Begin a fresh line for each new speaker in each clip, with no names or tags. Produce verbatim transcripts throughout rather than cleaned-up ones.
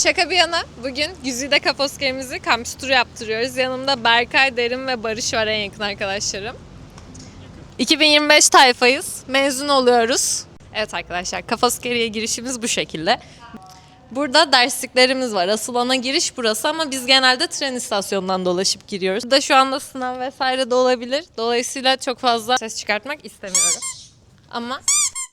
Şaka bir yana bugün Güzide Kaposker'imizi kampüs turu yaptırıyoruz. Yanımda Berkay, Derin ve Barış var, en yakın arkadaşlarım. iki bin yirmi beş tayfayız. Mezun oluyoruz. Evet arkadaşlar, Kaposkeri'ye girişimiz bu şekilde. Burada dersliklerimiz var. Asıl ana giriş burası ama biz genelde tren istasyonundan dolaşıp giriyoruz. Burada şu anda sınav vesaire de olabilir. Dolayısıyla çok fazla ses çıkartmak istemiyorum. Ama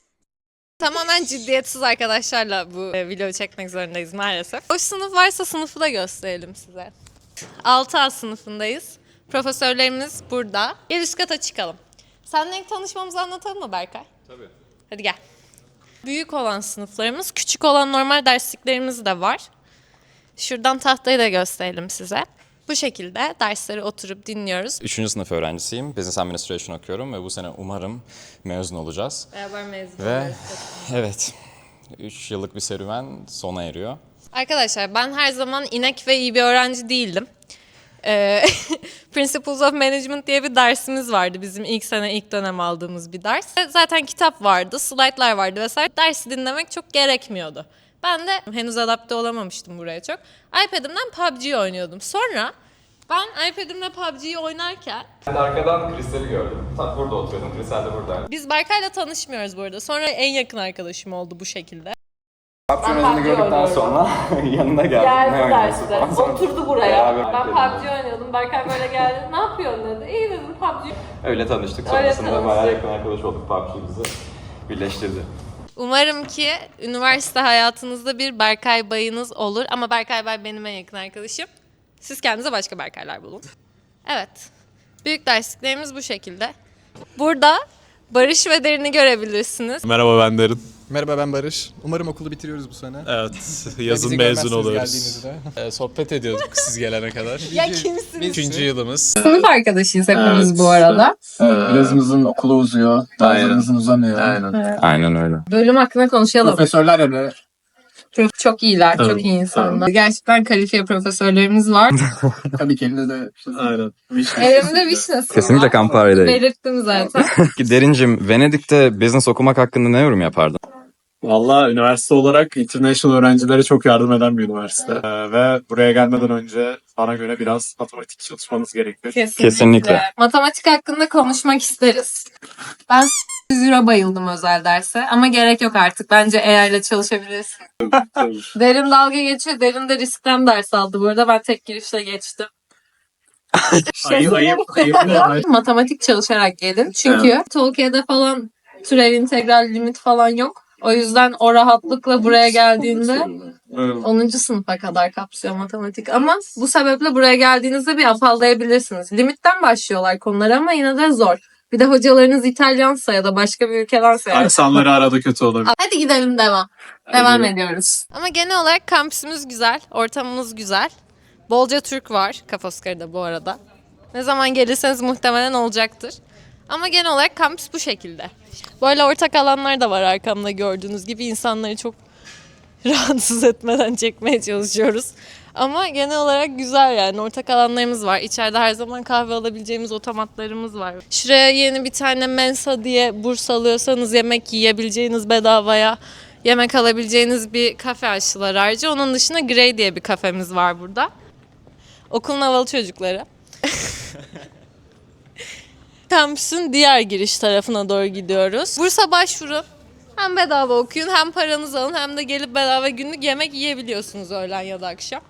tamamen ciddiyetsiz arkadaşlarla bu videoyu çekmek zorundayız maalesef. O sınıf varsa sınıfı da gösterelim size. altı A sınıfındayız. Profesörlerimiz burada. Gel üst kata çıkalım. Seninle ilk tanışmamızı anlatalım mı Berkay?
Tabii.
Hadi gel. Büyük olan sınıflarımız, küçük olan normal dersliklerimiz de var. Şuradan tahtayı da gösterelim size. Bu şekilde dersleri oturup dinliyoruz.
Üçüncü sınıf öğrencisiyim. Business Administration okuyorum ve bu sene umarım mezun olacağız.
Beraber mezun
Ve
oluyoruz.
evet, üç yıllık bir serüven sona eriyor.
Arkadaşlar ben her zaman inek ve iyi bir öğrenci değildim. Ee, Principles of Management diye bir dersimiz vardı bizim ilk sene ilk dönem aldığımız bir ders. Zaten kitap vardı, slaytlar vardı vesaire. Dersi dinlemek çok gerekmiyordu. Ben de henüz adapte olamamıştım buraya çok. iPad'imden P U B G oynuyordum. Sonra ben iPad'imle P U B G'yi oynarken...
Arkadan Kristal'i gördüm. Tam burada oturuyordum, Kristal de buradaydı.
Biz Berkay'la tanışmıyoruz bu arada. Sonra en yakın arkadaşım oldu bu şekilde.
Kapçınızını gördükten sonra yanına geldim.
Geldi
ne
derste.
oynuyorsun?
Oturdu buraya.
Beraber
Ben P
bekledim.
U B G oynuyordum. Berkay böyle geldi. Ne yapıyorsun dedi. İyi dedim P U B G.
Öyle tanıştık.
Öyle
Sonrasında
tanıştık.
bayağı yakın arkadaş olduk. P U B G bizi birleştirdi.
Umarım ki üniversite hayatınızda bir Berkay Bay'ınız olur. Ama Berkay Bay benim en yakın arkadaşım. Siz kendinize başka Berkaylar bulun. Evet. Büyük dersliklerimiz bu şekilde. Burada Barış ve Derin'i görebilirsiniz.
Merhaba, ben Derin.
Merhaba, ben Barış. Umarım okulu bitiriyoruz bu sene.
Evet,
Ve
yazın
bizi
mezun
görmezsiniz
oluyoruz.
geldiğinizde.
Ee, sohbet ediyorduk siz gelene kadar.
Ya kimsiniz?
Üçüncü yılımız.
Sınıf arkadaşıyız hepimiz
Evet.
bu arada.
Evet, birazımızın okulu uzuyor, bazılarımızın uzamıyor.
Aynen.
Aynen öyle.
Bölüm hakkında konuşalım.
Profesörler öyle.
Çok, çok iyiler,
Tabii,
çok iyi insanlar. Gerçekten kalifiye profesörlerimiz var.
Tabii ki elinde de.
Aynen.
Elimde vişnesi
Kesinlikle
var.
Campari'deyim.
Belirttim zaten.
Derincim, Venedik'te business okumak hakkında ne yorum yapardın?
Valla üniversite olarak international öğrencilere çok yardım eden bir üniversite. Ee, ve buraya gelmeden önce bana göre biraz matematik çalışmanız gerekiyor.
Kesinlikle.
Kesinlikle.
Matematik hakkında konuşmak isteriz. Ben yüz euro bayıldım özel derse ama gerek yok artık. Bence A I ile çalışabilirsin. Derin dalga geçiyor. Derin de riskten ders aldı. Bu arada ben tek girişle geçtim.
Ayıp, ayıp, ayıp, ayıp.
Matematik çalışarak gelin. Çünkü Tolkien'de falan türev, integral, limit falan yok. O yüzden o rahatlıkla buraya geldiğinde onuncu sınıfa kadar kapsıyor matematik. Ama bu sebeple buraya geldiğinizde bir afallayabilirsiniz. Limitten başlıyorlar konuları ama yine de zor. Bir de hocalarınız İtalyansa ya da başka bir ülkedense. Yani.
İnsanları arada kötü olabilir.
Hadi gidelim devam. Devam ediyoruz. Ama genel olarak kampüsümüz güzel, ortamımız güzel. Bolca Türk var Kaposkarı'da bu arada. Ne zaman gelirseniz muhtemelen olacaktır. Ama genel olarak kampüs bu şekilde. Böyle ortak alanlar da var arkamda gördüğünüz gibi. İnsanları çok rahatsız etmeden çekmeye çalışıyoruz. Ama genel olarak güzel yani. Ortak alanlarımız var. İçeride her zaman kahve alabileceğimiz otomatlarımız var. Şuraya yeni bir tane Mensa diye burs alıyorsanız yemek yiyebileceğiniz bedavaya yemek alabileceğiniz bir kafe açtılar ayrıca. Onun dışında Grey diye bir kafemiz var burada. Okulun havalı çocukları. Kampüsün diğer giriş tarafına doğru gidiyoruz. Bursa başvurun. Hem bedava okuyun, hem paranızı alın, hem de gelip bedava günlük yemek yiyebiliyorsunuz öğlen ya da akşam.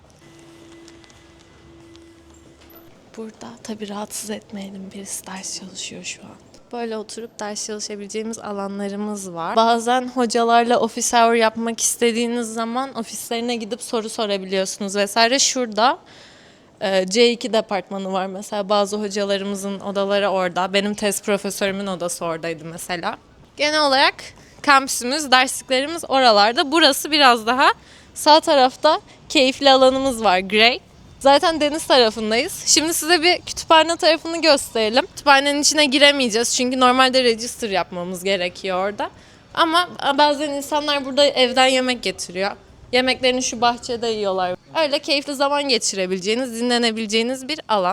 Burada tabii rahatsız etmeyelim, birisi ders çalışıyor şu an. Böyle oturup ders çalışabileceğimiz alanlarımız var. Bazen hocalarla office hour yapmak istediğiniz zaman ofislerine gidip soru sorabiliyorsunuz vesaire. Şurada C iki departmanı var mesela, bazı hocalarımızın odaları orada. Benim tez profesörümün odası oradaydı mesela. Genel olarak kampüsümüz, dersliklerimiz oralarda. Burası biraz daha sağ tarafta keyifli alanımız var, Grey. Zaten deniz tarafındayız. Şimdi size bir kütüphane tarafını gösterelim. Kütüphanenin içine giremeyeceğiz çünkü normalde register yapmamız gerekiyor orada. Ama bazen insanlar burada evden yemek getiriyor. Yemeklerini şu bahçede yiyorlar. Öyle keyifli zaman geçirebileceğiniz, dinlenebileceğiniz bir alan.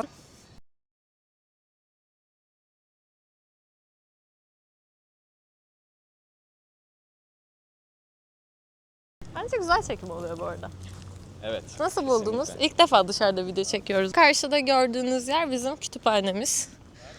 Bence güzel çekim oluyor bu arada.
Evet.
Nasıl buldunuz?
kesinlikle.
İlk defa dışarıda video çekiyoruz. Karşıda gördüğünüz yer bizim kütüphanemiz.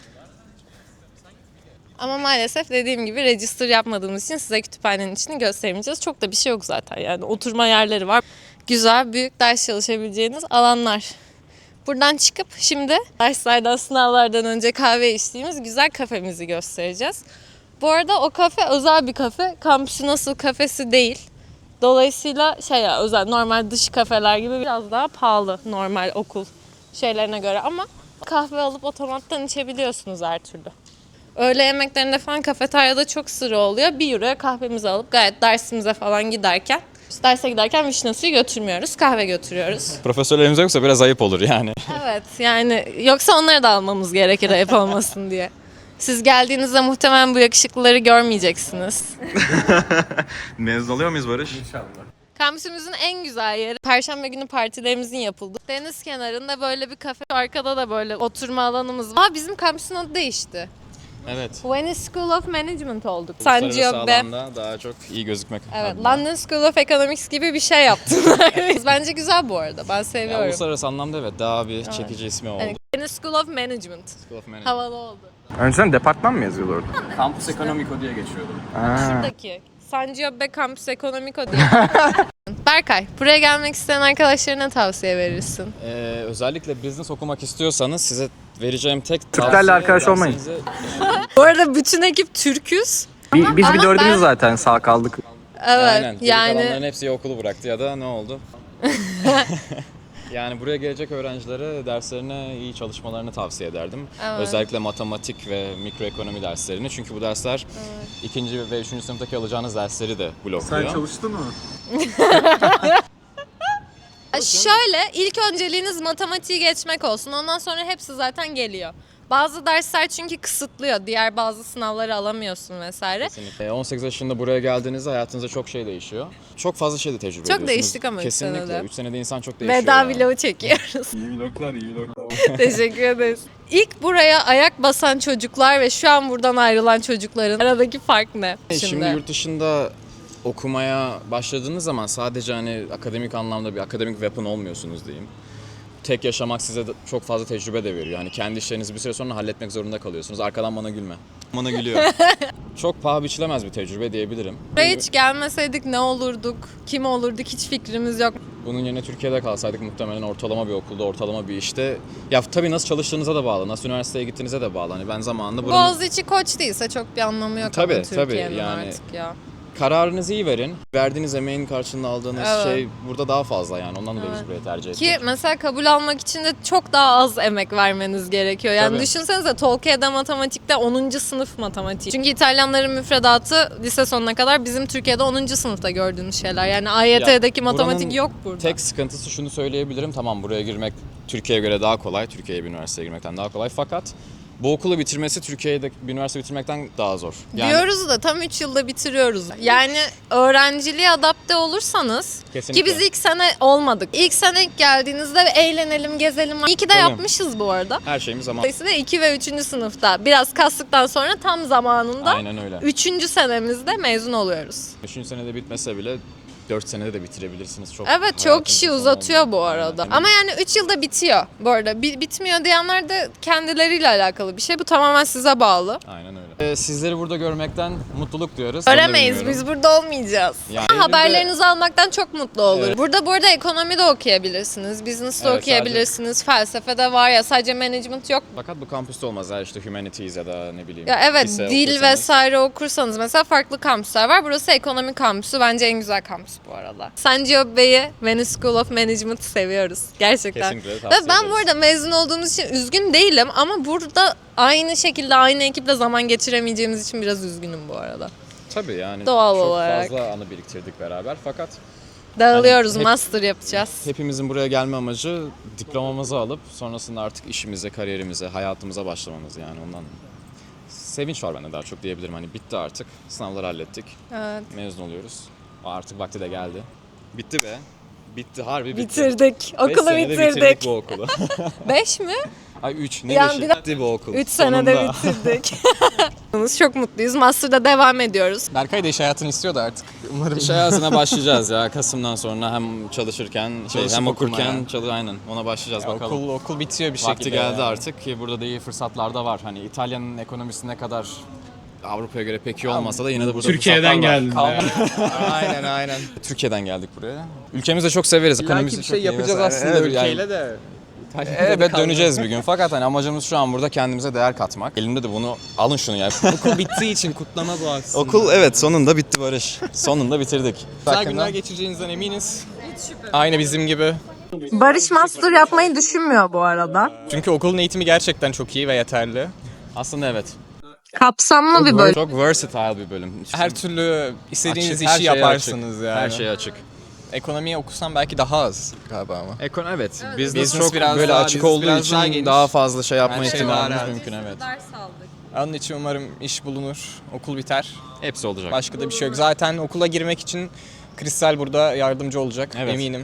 Ama maalesef dediğim gibi register yapmadığımız için size kütüphanenin içini gösteremeyeceğiz. Çok da bir şey yok zaten yani oturma yerleri var. Güzel, büyük ders çalışabileceğiniz alanlar. Buradan çıkıp şimdi derslerden, sınavlardan önce kahve içtiğimiz güzel kafemizi göstereceğiz. Bu arada o kafe özel bir kafe. Kampüsün nasıl kafesi değil. Dolayısıyla şey ya özel normal dış kafeler gibi biraz daha pahalı normal okul şeylerine göre ama kahve alıp otomattan içebiliyorsunuz her türlü. Öğle yemeklerinde falan kafeteryada çok sıra oluyor. Bir euroya kahvemizi alıp gayet dersimize falan giderken işte derse giderken vişne suyu götürmüyoruz, kahve götürüyoruz.
Profesörlerimiz yoksa biraz ayıp olur yani.
Evet yani yoksa onları da almamız gerekir ayıp olmasın diye. Siz geldiğinizde muhtemelen bu yakışıklıları görmeyeceksiniz.
Mezun oluyor muyuz Barış?
Kampüsümüzün en güzel yeri Perşembe günü partilerimizin yapıldığı. Deniz kenarında böyle bir kafe, arkada da böyle oturma alanımız var. Aa, bizim kampüsün adı değişti.
Evet.
Venice School of Management olduk.
Uluslararası
Sanciobe.
alanda daha çok iyi gözükmek
Evet,
adına.
London School of Economics gibi bir şey yaptılar. Bence güzel bu arada. Ben
Ya,
seviyorum.
uluslararası anlamda evet daha bir çekici ismi oldu.
Yani Venice School of Management.
School of Management.
Havalı oldu.
Önceden departman mı yazıyordu orada?
Campus Economico diye geçiyordu.
Şuradaki Sanciobe Campus Economico diye. Berkay, buraya gelmek isteyen arkadaşlarına tavsiye verirsin.
Ee, özellikle business okumak istiyorsanız size vereceğim tek
Türklerle
tavsiye
arkadaş olmayın.
dersinizi-
Bu arada bütün ekip Türk'üz.
Bir, biz
Ama
bir dördümüz
ben-
zaten sağ kaldık.
Evet,
Aynen. Geri kalanların
yani
hepsi ya okulu bıraktı ya da ne oldu? Yani buraya gelecek öğrencilere derslerine iyi çalışmalarını tavsiye ederdim.
Evet.
Özellikle matematik ve mikroekonomi derslerini. Çünkü bu dersler ikinci ve üçüncü sınıftaki alacağınız dersleri de blokluyor.
çalıştın mı?
şöyle ilk önceliğiniz matematiği geçmek olsun. Ondan sonra hepsi zaten geliyor. Bazı dersler çünkü kısıtlıyor. Diğer bazı sınavları alamıyorsun vesaire.
Kesinlikle. on sekiz yaşında buraya geldiğinizde hayatınızda çok şey değişiyor. Çok fazla şey de tecrübe
Çok
ediyorsunuz.
değiştik ama üç
Kesinlikle.
senede.
üç senede insan çok değişiyor.
Veda
yani.
vlogu çekiyoruz.
İyi vloglar, iyi vloglar.
Teşekkür ederiz. İlk buraya ayak basan çocuklar ve şu an buradan ayrılan çocukların aradaki fark ne?
Şimdi, Şimdi yurt dışında okumaya başladığınız zaman sadece hani akademik anlamda bir akademik weapon olmuyorsunuz diyeyim. Tek yaşamak size de çok fazla tecrübe de veriyor. Yani kendi işlerinizi bir süre sonra halletmek zorunda kalıyorsunuz. Arkadan bana gülme. Bana gülüyor. Çok paha biçilemez bir tecrübe diyebilirim.
Buraya hiç gelmeseydik ne olurduk, kim olurduk hiç fikrimiz yok.
Bunun yerine Türkiye'de kalsaydık muhtemelen ortalama bir okulda, ortalama bir işte. Ya tabii nasıl çalıştığınıza da bağlı, nasıl üniversiteye gittiğinize de bağlı. Hani ben zamanında buranın
Boğaziçi Koç değilse çok bir anlamı yok
Tabii,
ama
tabii,
Türkiye'nin
yani-
artık ya.
kararınızı iyi verin. Verdiğiniz emeğin karşılığında aldığınız
Evet.
şey burada daha fazla yani. Ondan dolayı biz burayı tercih ettik.
Ki mesela kabul almak için de çok daha az emek vermeniz gerekiyor. Yani
Tabii.
düşünsenize Tolkien'de matematikte onuncu sınıf matematik. Çünkü İtalyanların müfredatı lise sonuna kadar bizim Türkiye'de onuncu sınıfta gördüğümüz şeyler. Yani A Y T'deki
Ya,
matematik
buranın
yok burada.
Tek sıkıntısı şunu söyleyebilirim. Tamam buraya girmek Türkiye'ye göre daha kolay. Türkiye'ye bir üniversiteye girmekten daha kolay. Fakat bu okulu bitirmesi Türkiye'de bir üniversite bitirmekten daha zor. Yani
Diyoruz da tam üç yılda bitiriyoruz. Yani öğrenciliğe adapte olursanız
Kesinlikle.
ki biz ilk sene olmadık. İlk sene ilk geldiğinizde eğlenelim, gezelim. İyi ki de
Tabii.
yapmışız bu arada.
her şeyimiz zaman.
Dolayısıyla iki ve üçüncü sınıfta biraz kastıktan sonra tam zamanında
Aynen öyle.
üçüncü senemizde mezun oluyoruz.
Üçüncü senede bitmese bile dört senede de bitirebilirsiniz. Çok
Evet çok
hayatınızın
kişi
sonu
uzatıyor
olmuyor.
bu arada.
Aynen.
Ama yani üç yılda bitiyor bu arada. Bi- bitmiyor diyenler de kendileriyle alakalı bir şey. Bu tamamen size bağlı.
Aynen öyle. Ee, sizleri burada görmekten mutluluk duyuyoruz. Onu da
Göremeyiz
bilmiyorum.
biz burada olmayacağız.
Yani
Ama haberlerinizi almaktan çok mutlu olur.
Evet.
Burada bu arada ekonomi de okuyabilirsiniz, business de
Evet,
okuyabilirsiniz, felsefe de var ya sadece management yok.
Fakat bu kampüste olmaz. Ya işte humanities ya da ne bileyim.
Ya evet
lise
dil
okursanız.
vesaire okursanız mesela farklı kampüsler var. Burası ekonomi kampüsü. Bence en güzel kampüs bu arada. Sanciobe'yi Venice School of Management seviyoruz. Gerçekten.
Kesinlikle
Ve
tavsiye
ben
ederiz.
bu arada mezun olduğumuz için üzgün değilim ama burada aynı şekilde aynı ekiple zaman geçiremeyeceğimiz için biraz üzgünüm bu arada.
Tabii yani
Doğal
çok
olarak.
fazla anı biriktirdik beraber fakat
Dağılıyoruz,
hep-
master yapacağız.
hepimizin buraya gelme amacı diplomamızı alıp sonrasında artık işimize, kariyerimize, hayatımıza başlamamız yani ondan sevinç var bende daha çok diyebilirim. Hani bitti artık. Sınavları hallettik.
Evet.
Mezun oluyoruz. Artık vakti de geldi. Bitti be. Bitti harbi bitti.
Bitirdik.
Beş
Okulu
senede
bitirdik.
bitirdik bu okulu.
Beş mi?
Ay üç ne
Yani
beşi?
bir de-
Bitti bu okul.
üç senede
Sonunda.
bitirdik. Çok mutluyuz. Master'da devam ediyoruz.
Berkay da iş hayatını istiyordu artık. Umarım.
İş hayatına başlayacağız ya Kasım'dan sonra hem çalışırken şey,
Çalışıp
hem okurken
okumaya.
çalış aynen ona başlayacağız
Ya
bakalım.
okul, okul bitiyor bir
Vakti
şekilde.
geldi
ya.
artık ki burada da iyi fırsatlar da var. Hani İtalya'nın ekonomisi ne kadar Avrupa'ya göre pek iyi olmasa da yine de burada
Türkiye'den
fırsatlar var.
geldin.
Kalma-
Aynen aynen.
Türkiye'den geldik buraya. Ülkemizi de çok severiz.
İlla ki
Ekonomisi
bir şey
çok iyi
yapacağız
vesaire.
aslında
Evet, yani-
ülkeyle de.
Evet döneceğiz bir gün. Fakat hani amacımız şu an burada kendimize değer katmak. Elimde de bunu alın şunu ya.
Okul bittiği için kutlama bu aslında.
Okul evet sonunda bitti Barış. Sonunda bitirdik.
Güzel günler geçireceğinizden eminiz. Aynı bizim gibi.
Barış master yapmayı düşünmüyor bu arada.
Çünkü okulun eğitimi gerçekten çok iyi ve yeterli.
Aslında evet.
Kapsamlı bir bölüm.
Çok versatile bir bölüm.
Her türlü istediğiniz
Açık, her
işi
şeye
yaparsınız
açık.
yani.
Her şeye açık.
Ekonomiyi okusam belki daha az galiba ama.
Ekon evet. Business,
Business
çok
biraz
böyle
daha-
açık
business
olduğu
biraz
için
daha
daha,
geniş.
fazla şey yapma
Her şey
ihtimalimiz
daha rahat.
mümkün evet.
Onun için umarım iş bulunur, okul biter.
Hepsi olacak.
Başka da bir şey yok. Zaten okula girmek için Kristal burada yardımcı olacak
Evet.
eminim.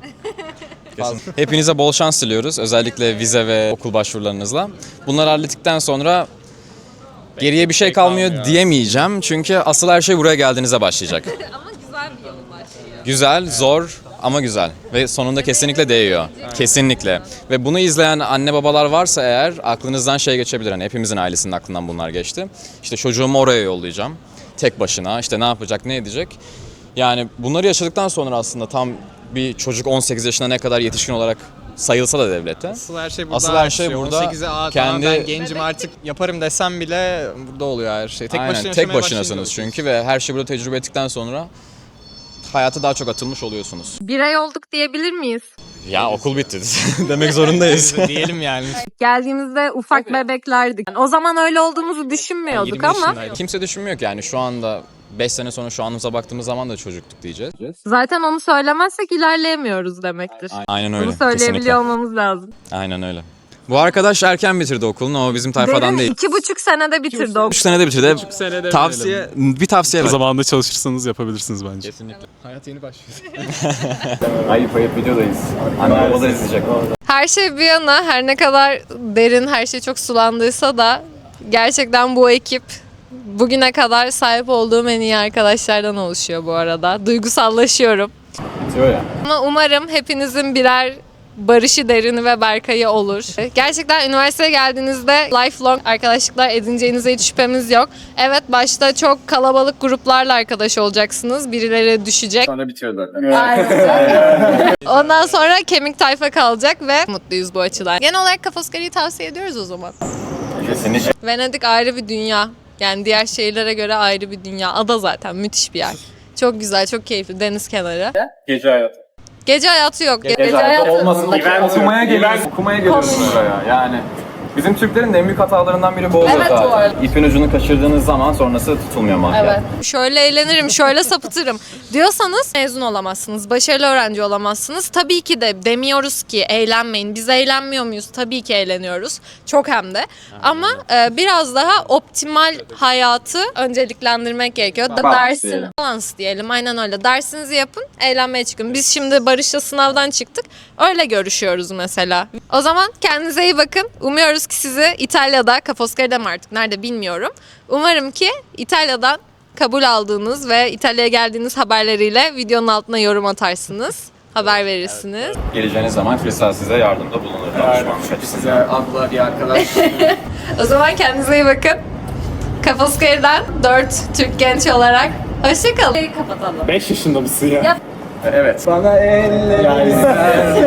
Kesin. Hepinize bol şans diliyoruz. Özellikle vize ve okul başvurularınızla. Bunları hallettikten sonra geriye bir şey kalmıyor
kalmıyor.
diyemeyeceğim. Çünkü asıl her şey buraya geldiğinizde başlayacak.
Ama güzel bir yolun başlıyor.
Güzel, zor ama güzel. Ve sonunda kesinlikle değiyor. Kesinlikle. Ve bunu izleyen anne babalar varsa eğer aklınızdan şey geçebilir. Hani hepimizin ailesinin aklından bunlar geçti. İşte çocuğumu oraya yollayacağım. Tek başına. İşte ne yapacak, ne edecek. Yani bunları yaşadıktan sonra aslında tam bir çocuk on sekiz yaşına ne kadar yetişkin olarak sayılsa da devlette.
Asıl her şey burada.
Asıl her şey
başlıyor.
burada.
on sekize aa,
Kendi-
tamam ben gencim artık yaparım desem bile burada oluyor her şey. Tek
Aynen,
başına
tek
yaşamaya
başınasınız
başlayınca
çünkü ve her şeyi burada tecrübe ettikten sonra hayata daha çok atılmış oluyorsunuz.
Birey olduk diyebilir miyiz?
Ya okul bitti demek zorundayız.
diyelim yani.
Geldiğimizde ufak bebeklerdik. Yani o zaman öyle olduğumuzu düşünmüyorduk
yirmi
ama
yaşındaydım.
Kimse düşünmüyor ki yani şu anda beş sene sonra şu anımıza baktığımız zaman da çocuktuk diyeceğiz.
zaten onu söylemezsek ilerleyemiyoruz demektir.
Aynen öyle.
Bunu söyleyebiliyor
Kesinlikle.
olmamız lazım.
Aynen öyle. Bu arkadaş erken bitirdi okulunu. O bizim tayfadan
Derin
değil.
iki buçuk senede bitirdi o.
üç senede bitirdi.
senede
Tavsiye, bir tavsiye ver.
Zamanında çalışırsanız yapabilirsiniz bence.
Kesinlikle.
Hayat yeni başlıyor.
Ayıp ayıp videodayız. Anne babalar izleyecek.
Her şey bir yana, her ne kadar derin, her şey çok sulandıysa da gerçekten bu ekip bugüne kadar sahip olduğum en iyi arkadaşlardan oluşuyor bu arada. Duygusallaşıyorum.
Bitiyor ya.
Ama umarım hepinizin birer Barış'ı, Derin'i ve Berkay'ı olur. Gerçekten üniversiteye geldiğinizde lifelong arkadaşlıklar edineceğinize hiç şüphemiz yok. Evet, başta çok kalabalık gruplarla arkadaş olacaksınız. Birileri düşecek.
Sonra bitiyor zaten.
Ondan sonra kemik tayfa kalacak ve mutluyuz bu açıdan. Genel olarak Kafoskari'yi tavsiye ediyoruz o zaman.
Kesinlikle.
Venedik ayrı bir dünya. Yani diğer şehirlere göre ayrı bir dünya. Ada zaten müthiş bir yer. Çok güzel, çok keyifli. Deniz kenarı.
Gece hayatı.
Gece hayatı yok. Gece,
Gece hayatı olmasın da okumaya geliyorsun. Okumaya geliyorsun buraya yani. Bizim Türklerin de en büyük hatalarından biri bu oluyor
Evet, bu
zaten.
arada.
İpin ucunu kaçırdığınız zaman sonrası tutulmuyor mahkeme.
Evet. Şöyle eğlenirim, şöyle sapıtırım diyorsanız mezun olamazsınız. Başarılı öğrenci olamazsınız. Tabii ki de demiyoruz ki eğlenmeyin. Biz eğlenmiyor muyuz? Tabii ki eğleniyoruz. Çok hem de. Ama e, biraz daha optimal hayatı önceliklendirmek gerekiyor. Da
Balans
dersin
diyelim.
balans diyelim. Aynen öyle. Dersinizi yapın, eğlenmeye çıkın. Biz şimdi Barış'la sınavdan çıktık. Öyle görüşüyoruz mesela. O zaman kendinize iyi bakın. Umuyoruz ki sizi İtalya'da, Kafoskari'de mi artık nerede bilmiyorum. Umarım ki İtalya'dan kabul aldığınız ve İtalya'ya geldiğiniz haberleriyle videonun altına yorum atarsınız. Haber verirsiniz.
Geleceğiniz zaman Kristal size yardımda bulunur. Danışmanlık açısından.
Abla bir arkadaş.
O zaman kendinize iyi bakın. Kafoskari'den dört Türk genç olarak hoşçakalın. Kapatalım.
beş yaşında mısın ya?
Yap.
Evet.
Bana eller